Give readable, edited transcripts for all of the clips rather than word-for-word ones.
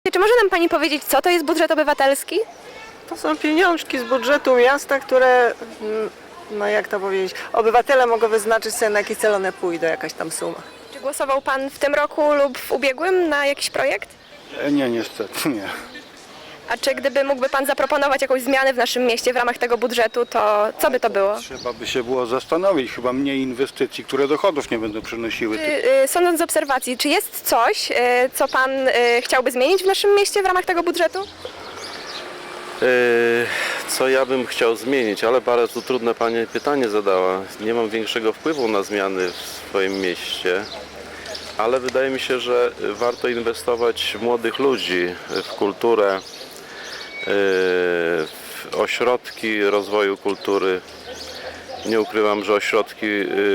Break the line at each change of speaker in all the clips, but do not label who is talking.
Czy może nam Pani powiedzieć, co to jest budżet obywatelski?
To są pieniążki z budżetu miasta, które, no jak to powiedzieć, obywatele mogą wyznaczyć sobie, na jakie cel one pójdą, jakaś tam suma.
Czy głosował Pan w tym roku lub w ubiegłym na jakiś projekt?
Nie, niestety nie.
A czy gdyby mógłby Pan zaproponować jakąś zmianę w naszym mieście w ramach tego budżetu, to co by to było?
Trzeba by się było zastanowić, chyba mniej inwestycji, które dochodów nie będą przynosiły.
Sądząc z obserwacji, czy jest coś, co Pan chciałby zmienić w naszym mieście w ramach tego budżetu?
Co ja bym chciał zmienić, ale bardzo trudne Pani pytanie zadała. Nie mam większego wpływu na zmiany w swoim mieście, ale wydaje mi się, że warto inwestować w młodych ludzi, w kulturę, w ośrodki rozwoju kultury. Nie ukrywam, że ośrodki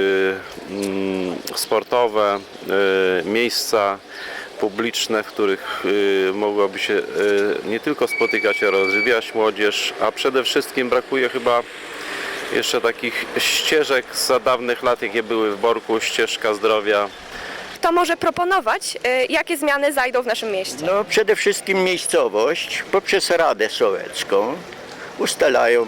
sportowe, miejsca publiczne, w których mogłaby się nie tylko spotykać, a rozwijać młodzież, a przede wszystkim brakuje chyba jeszcze takich ścieżek za dawnych lat, jakie były w Borku, ścieżka zdrowia.
Kto może proponować, jakie zmiany zajdą w naszym mieście?
No przede wszystkim miejscowość poprzez Radę Sołecką ustalają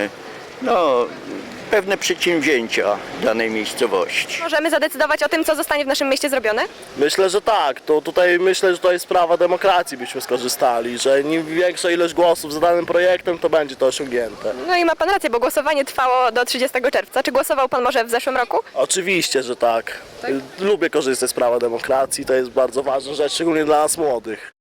pewne przedsięwzięcia danej miejscowości.
Możemy zadecydować o tym, co zostanie w naszym mieście zrobione?
Myślę, że tak. To tutaj myślę, że to jest sprawa demokracji, byśmy skorzystali, że im większa ilość głosów za danym projektem, to będzie to osiągnięte.
No i ma Pan rację, bo głosowanie trwało do 30 czerwca. Czy głosował Pan może w zeszłym roku?
Oczywiście, że tak. Lubię korzystać z prawa demokracji, to jest bardzo ważna rzecz, szczególnie dla nas młodych.